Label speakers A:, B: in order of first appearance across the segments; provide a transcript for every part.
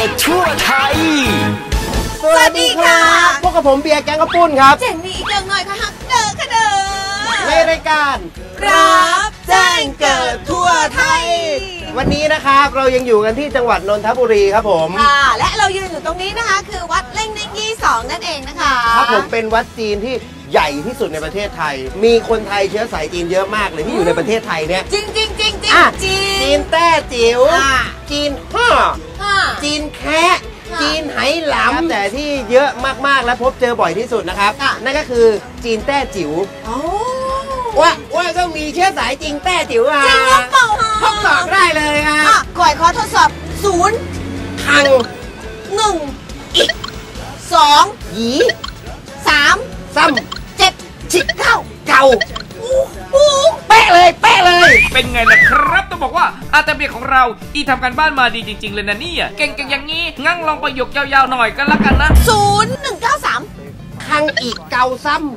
A: ทั่วไทย
B: สวัสดีค่ะพวกกับผมเบียร์แกงกระปุ้นครับ
C: เจนนี่อีกหน่อยค่ะฮักเดอค่ะเด้อ
B: ในรายการ
C: รับแจ้งเกิดทั่วไทย
B: วันนี้นะครับเรายังอยู่กันที่จังหวัดนนทบุรีครับผม
C: ค่ะและเรายืนอยู่ตรงนี้นะคะคือวัดเล่งเน่งยี่2นั่นเองนะคะ
B: ครับผมเป็นวัดจีนที่ใหญ่ที่สุดในประเทศไทยมีคนไทยเชื้อสายจีนเยอะมากเลยที่อยู่ในประเทศไทยเนี่ย
C: จริง
B: จีนแต้จิ๋วจีนฮ่อจีนแคะจีนไหหลำแต่ที่เยอะมากๆและพบเจอบ่อยที่สุดนะครับนั่นก็คือจีนแต้จิ๋วว่าก็มีเชื้อสายจีนแต้จิ๋ว
C: จริงหรือเปล่า
B: ทดสอบได้เลย
C: ก่อยขอทดสอบ0
B: ทัง
C: 1อีก2
B: หยี
C: 3
B: ซ้ำ
C: 7ชิดเก่า
B: เป๊ะเลย
D: เป็นไงล่ะครับต้องบอกว่าอาตาเบียของเราทำการบ้านมาดีจริงๆเลยนะเนี่ยเก่งๆอย่างนี้งั้นลองประโยคยาวๆหน่อยกันละกันนะ
C: 0193
B: ทังอีกเก่าซ้ำ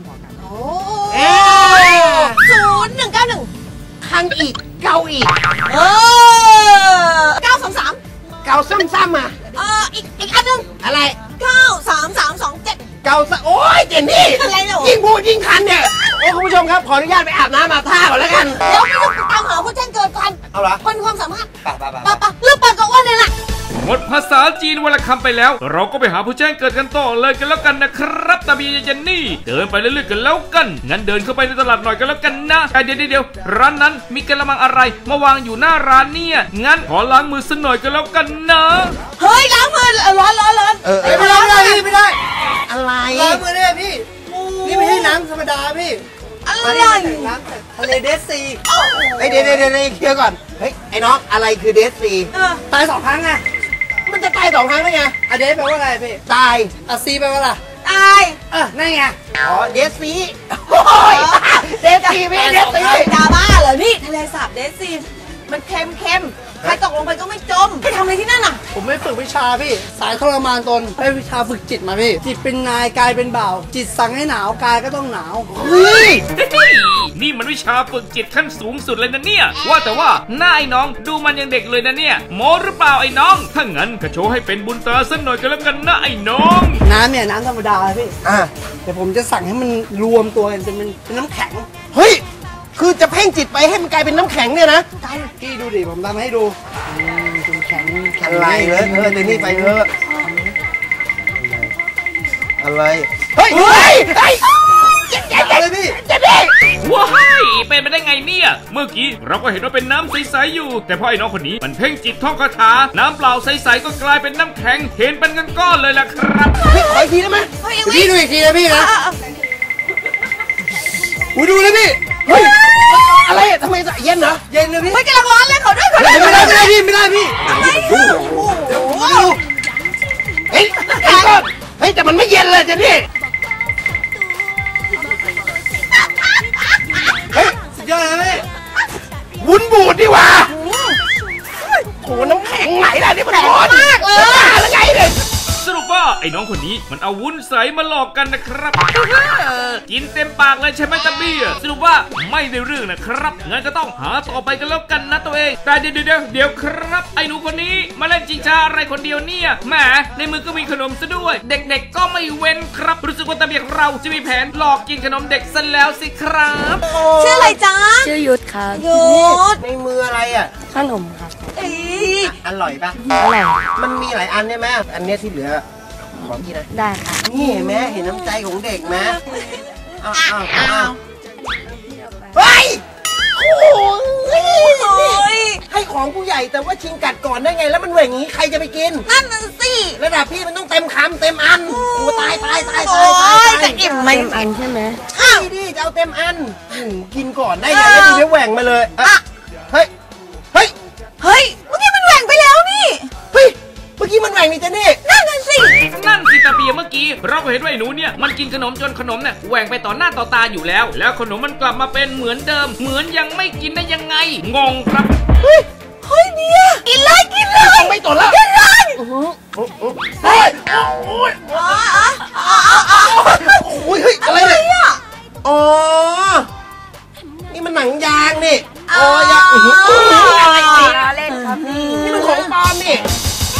C: 0191
B: ทังอีกเก่าอีก
C: 923
B: เก่าซ้ำ
C: อีกอันนึง
B: อะไร
C: 93327
B: เก่าซะโอ้ยเจนนี่
C: อะไรเนาะ
B: ยิ่งพูดยิ่งคันเนี่ยโอ้คุณผู้ชมครับขออนุญาตไปอาบน้ำอาบท่าก่อนแล้วกัน
C: เดี๋ยวไปตามหาผู้แจ้งเกิดกัน
B: เอาเหรอ
C: คนความสามารถ
B: ปะ
C: เรื่องปากกับอ้วนเลยล่ะ
D: หมดภาษาจีนวันละคำไปแล้วเราก็ไปหาผู้แจ้งเกิดกันต่อเลยกันแล้วกันนะครับตาเบียเจนนี่เดินไปเรื่อยๆกันแล้วกันงั้นเดินเข้าไปในตลาดหน่อยกันแล้วกันนะเดี๋ยวร้านนั้นมีกระมังอะไรมาวางอยู่หน้าร้านเนี่ยงั้นขอล้างมือสักหน่อยกันแล้วกันนะ
C: เฮ้ยล้างมือร้อน
B: ไม่ได้อะไร
E: ล้างมือได้พี่นี่ไม่ใช่น้ำธรรมดาพี่
C: อะไร
E: น้ำทะเลเดสซี
B: เดี๋ยวเคลียร์ก่อนเฮ้ยไอ้น้องอะไรคือเดสซี
E: ตาย2 ครั้งไง
B: มันจะตาย2 ครั้งได้ไง
E: เดสแปลว่าอะไรพี่
B: ตาย
E: ซีแปลว่าอะไร
C: ตาย
E: นั่นไง
B: เดสซีเดสซีไม่เดสซี
C: ดาบ้าเหรอนี่ทะเลสาบเดสซีมันเค็มใครตกลงไปก็ไม่จมไปทำอะไรที่นั่นน่ะ
E: ผมไม่ฝึกวิชาพี่สายทรมานตนไปวิชาฝึกจิตมาพี่จิตเป็นนายกายเป็นบ่าวจิตสั่งให้หนาวกายก็ต้องหนาว
D: นี่มันวิชาฝึกจิตขั้นสูงสุดเลยนะเนี่ยว่าแต่ว่าหน้าไอ้น้องดูมันยังเด็กเลยนะเนี่ยโมหรือเปล่าไอ้น้องถ้างั้นก็โชว์ให้เป็นบุญตาสักหน่อยกันแล้วกันนะไอ้น้อง
E: น้ำเนี่ยน้ำธรรมดาพี่แต่ผมจะสั่งให้มันรวมตัวกันจนเป็นน้ำแข็ง
B: เฮ้ยคือจะเพ่งจิตไปให้มันกลายเป็นน้ำแข็งเนี่ยนะ
E: พี่ดูดิผมทำให้ดูเป็นแข็ง
B: อะไรเลยเดี๋ยวนี้ไปเถอะอะไรเฮ้ย
E: อะไรพี่
B: เจ๊ดิ
D: ว้ายเป็นไปได้ไงเนี่ยเมื่อกี้เราก็เห็นว่าเป็นน้ำใสๆอยู่แต่พอไอ้น้องคนนี้มันเพ่งจิตท่องคาถาน้ำเปล่าใสๆก็กลายเป็นน้ำแข็งเห็นเป็นก้อนๆเลยล่ะครับ
B: พี่ขออีกทีได้ไหม
E: พี่ดูอีกทีนะพี่นะดูนะพี่
B: เฮ้ยอะไรทำไมเย็นเหรอ
E: เย็นเลยพี่
C: ไม่กำลังร้อนเลยเขาด้วย
E: ไม่ได้พี่
B: เฮ้ยแต่มันไม่เย็นเลยเจนี่
E: สุดยอดเลย
B: วุ้นบูดดีว่าโหน้ำแข็งไหนล่ะนี่มันร้อนมากเลยแล้วไงเนี่ย
D: สรุปว่าไอ้น้องคนนี้มันเอาวุ้นใสมาหลอกกันนะครับกินเต็มปากเลยใช่ไหมตาเบียสรุปว่าไม่ได้เรื่องนะครับงั้นก็ต้องหาต่อไปกันแล้วกันนะตัวเองแต่เดี๋ยวครับไอ้หนูคนนี้มาเล่นจิงชาอะไรคนเดียวเนี่ยแหมในมือก็มีขนมซะด้วยเด็กๆก็ไม่เว้นครับรู้สึกว่าตาเบียของเราจะมีแผนหลอกกินขนมเด็กซะแล้วสิครับ
C: ชื่ออะไรจ๊ะ
F: ชื่อยุทธครับ
C: ยุทธ
B: ในมืออะไร
F: ขนมครับ
B: อร่อยปะ
F: อร่อย
B: มันมีหลายอันใช่ไหมอันนี้ที่เหลือขอกินนะ
F: ได้ค่ะ
B: นี่เห็นไหมเห็นน้ำใจของเด็กไหมเฮ้ยให้ของผู้ใหญ่แต่ว่าชิงกัดก่อนได้ไงแล้วมันเหว่งงี้ใครจะไปกิน
C: นั่นสิ
B: ระดับพี่มันต้องเต็มคำเต็มอันโอ้ตาย
C: จะอิ่มไหม
F: เต็มอันใช่ไหม
B: ดิจะเอาเต็มอันกินก่อนได้ไงแล้วดีแหว่งมาเลยเฮ้ย
C: เมื่อกี้มันแหว่งไปแล้วนี่
B: เมื่อกี้มันแหว่งนี่เจนี่
C: นั่นสิ
D: ตาเบียเมื่อกี้เราก็เห็นว่าไอ้หนูเนี่ยมันกินขนมจนขนมเนี่ยแหว่งไปต่อหน้าต่อตาอยู่แล้วขนมมันกลับมาเป็นเหมือนเดิมเหมือนยังไม่กินได้ยังไงงงครับ
C: เฮ้ยเนี่ยกินเลย
B: ไม่ต่อแล้ว
C: กินเลย
B: เฮ้ยอะไรเนี่ยอ๋อนี่มันหนังยางนี่
C: ยาง
F: เล่นครับ
B: นี่มันของปลอมนี่
D: แหม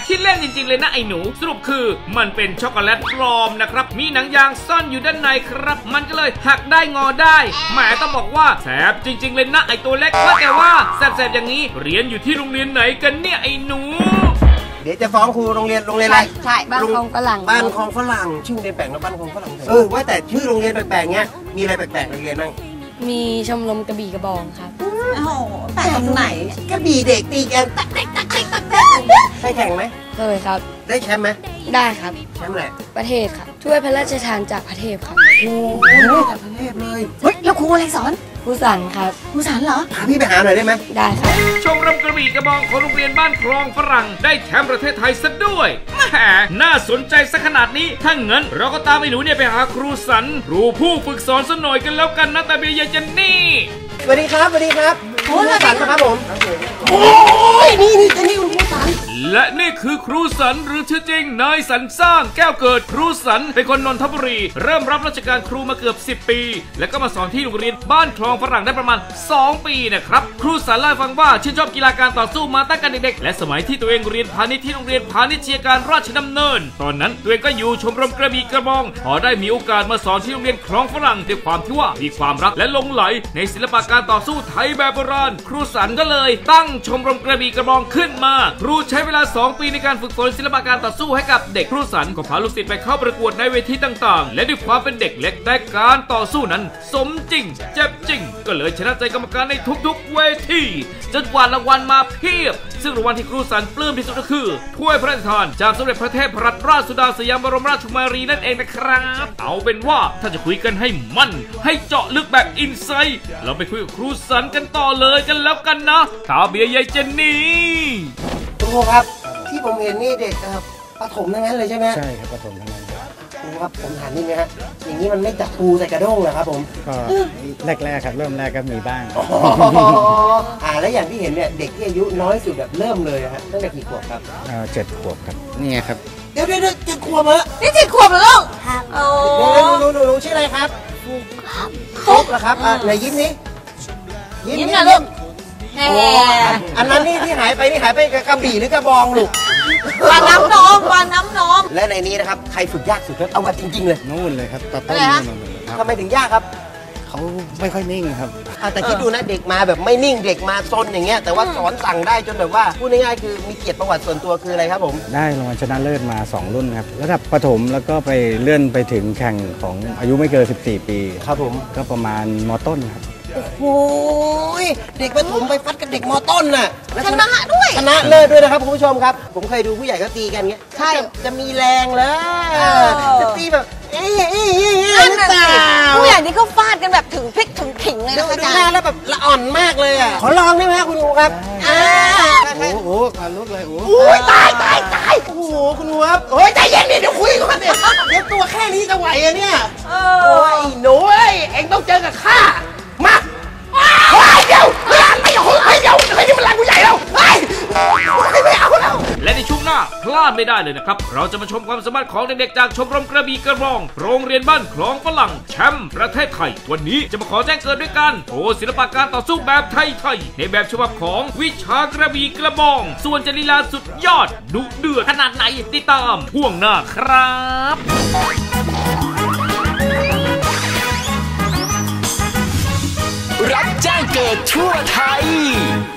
D: ขี้เล่นจริงๆเลยนะไอ้หนูสรุปคือมันเป็นช็อกโกแลตปลอมนะครับมีหนังยางซ่อนอยู่ด้านในครับมันก็เลยหักได้งอได้แหมต้องบอกว่าแสบจริงๆเลยนะไอ้ตัวเล็กว่าแต่ว่าแสบๆอย่างนี้เรียนอยู่ที่โรงเรียนไหนกันเนี่ยไอ้หนู
B: เดี๋ยวจะฟ้องครูโรงเรียนอะไร
C: ใช่
F: บ้านคลองฝรั่ง
B: บ้านคลองฝรั่งชื่อโรงเรียนแปลกนะบ้านคลองฝรั่งว่าแต่ชื่อโรงเรียนแปลกๆเงี้ยมีอะไรแปลกๆโรงเรียนบ้าง
F: มีชมรมกระบี่กระบองครับ
C: โอ้โหแปลกตรงไหน
B: กระบี่เด็กตีกันได้แข่งไหม
F: เคยครับ
B: ได้แชมป์ไหม
F: ได้ครับ
B: แชมป์แหละ
F: ประเทศครับถ้วยพระราชทานจากประเทศครับ
B: โอ้โหจากประเทศเลย
C: เฮ้ยแล้วครูอะไรสอน
F: ครูสันครับ
C: ครูสันเหรอ
B: พาพี่ไปหาหน่อยได้ไหม
F: ได้ครับ
D: ชมรมกระบี่กระบองของโรงเรียนบ้านคลองฝรั่งได้แชมป์ประเทศไทยซะด้วยแหมน่าสนใจสักขนาดนี้ถ้างั้นเราก็ตามไอ้หนูเนี่ยไปหาครูสันครูผู้ฝึกสอนซะหน่อยกันแล้วกันนะตาเบียยายเจนนี่
B: สวัสดีครับสวัสดีครับครูสันนะครับผมโอ้ยนี่เจนนี่คุณครูสัน
D: และนี่คือครูสันหรือชื่อจริงนายสันสร้างแก้วเกิดครูสันเป็นคนนนทบุรีเริ่มรับราชการครูมาเกือบ10 ปีแล้วก็มาสอนที่โรงเรียนบ้านคลองฝรั่งได้ประมาณ2 ปีนะครับครูสันเล่าให้ฟังว่าชื่นชอบกีฬาการต่อสู้มาตั้งแต่เด็กๆและสมัยที่ตัวเองเรียนพาณิชย์ที่โรงเรียนพาณิชยการราชดำเนินตอนนั้นตัวเองก็อยู่ชมรมกระบี่กระบองพอได้มีโอกาสมาสอนที่โรงเรียนคลองฝรั่งด้วยความที่ว่ามีความรักและหลงไหลในศิลปะการต่อสู้ไทยแบบโบราณครูสันก็เลยตั้งชมรมกระบี่กระบองขึ้นมาครูใช้เวลา2 ปีในการฝึกฝนศิลปะการต่อสู้ให้กับเด็กครูสันก็พาลูกศิษย์ไปเข้าประกวดในเวทีต่างๆและด้วยความเป็นเด็กเล็กแต่การต่อสู้นั้นสมจริงเจ็บจริงก็เลยชนะใจกรรมการในทุกๆเวทีจนกว่ารางวัลมาเพียบซึ่งรางวัลที่ครูสันปลื้มที่สุดก็คือถ้วยพระราชทานจากสมเด็จพระเทพรัตนราชสุดาสยามบรมราชกุมารีนั่นเองนะครับเอาเป็นว่าถ้าจะคุยกันให้มั่นให้เจาะลึกแบบอินไซต์เราไปคุยกับครูสันกันต่อเลยกันแล้วกันนะตาเบียยายเจนนี่
B: ครูครับที่ผมเห็นนี่เด็กประถมทั้งนั้นเลยใช่ไหม
A: ใช่ครับประถมทั้งนั้น
B: ครูครับผมถามนิดนึงฮะอย่างนี้มันไม่จับปูใส่กระด้งเหรอครับผม
A: ก็แรกๆครับเริ่มแรกก็มีบ้าง
B: แล้วอย่างที่เห็นเนี่ยเด็กที่อายุน้อยสุดแบบเริ่มเลยฮะตั้งแต่กี่ขวบครับ
A: 7 ขวบครับนี่ไงครับ
B: เดี๋ยว7 ขวบเหรอ
C: นี่7 ขวบเหรอลูก
B: ครับโอ้หนูชื่ออะไรครับฟุกเหรอครับไหนยิ้มนี้
C: ยิ้มนะลูก
B: อันนั้นนี่ที่หายไปกระบี่หรือกระบองลูก
C: วานน้ำนม
B: และในนี้นะครับใครฝึกยากสุดเอามาจริงๆเลย
A: นู่นเลยครับตัดต้น
B: ทำไมถึงยากครับ
A: เขาไม่ค่อยนิ่งครับ
B: แต่คิดดูนะเด็กมาแบบไม่นิ่งเด็กมาซนอย่างเงี้ยแต่ว่าสอนสั่งได้จนแบบว่าพูดง่ายๆคือมีเกียรติประวัติส่วนตัวคืออะไรครับผม
A: ได้รางวัลชนะเลิศมา2 รุ่นครับระดับประถมแล้วก็ไปเลื่อนไปถึงแข่งของอายุไม่เกิน14 ปี
B: ครับผม
A: ก็ประมาณม.ต้นครับ
B: โอ้โหเด็กประถมไปฟัดกับเด็กม.ต้นน่ะ
C: ชนะด้วย
B: ชนะเลิศด้วยนะครับคุณผู้ชมครับผมเคยดูผู้ใหญ่ก็ตีกันเงี้ยใช่จะมีแรงเลยจะตีแบบ
C: ผู้ใหญ่นี่เขาฟาดกันแบบถึงพริกถึงขิงเลยนะอาจารย์
B: แล้วแบบละอ่อนมากเลยอ่ะขอลองได้ไหมคุณครูครับ
A: โอ้โหลุกเลยโ
B: อ้ยตายโอ้โหคุณครูครับโอ้ยใจเย็นดิเดี๋ยวคุยก่อนเนี่ยเดี๋ยวตัวแค่นี้จะไหวอะเนี่ยโอ้ยหนูเอ็งต้องเจอกับข้ามาเดี๋ยวไม่เอานี่มันแรงผู้ใหญ่แล้วไม่เอาแล้ว
D: และในช่วงหน้าพลาดไม่ได้เลยนะครับเราจะมาชมความสามารถของเด็กๆจากชมรมกระบี่กระบองโรงเรียนบ้านคลองฝรั่งแชมป์ประเทศไทยวันนี้จะมาขอแจ้งเกิดด้วยกันโชว์ศิลปะการต่อสู้แบบไทยในแบบฉบับของวิชากระบี่กระบองส่วนจะลีลาสุดยอดดุเดือดขนาดไหนติดตามช่วงหน้าครับ
G: รับแจ้งเกิดทั่วไทย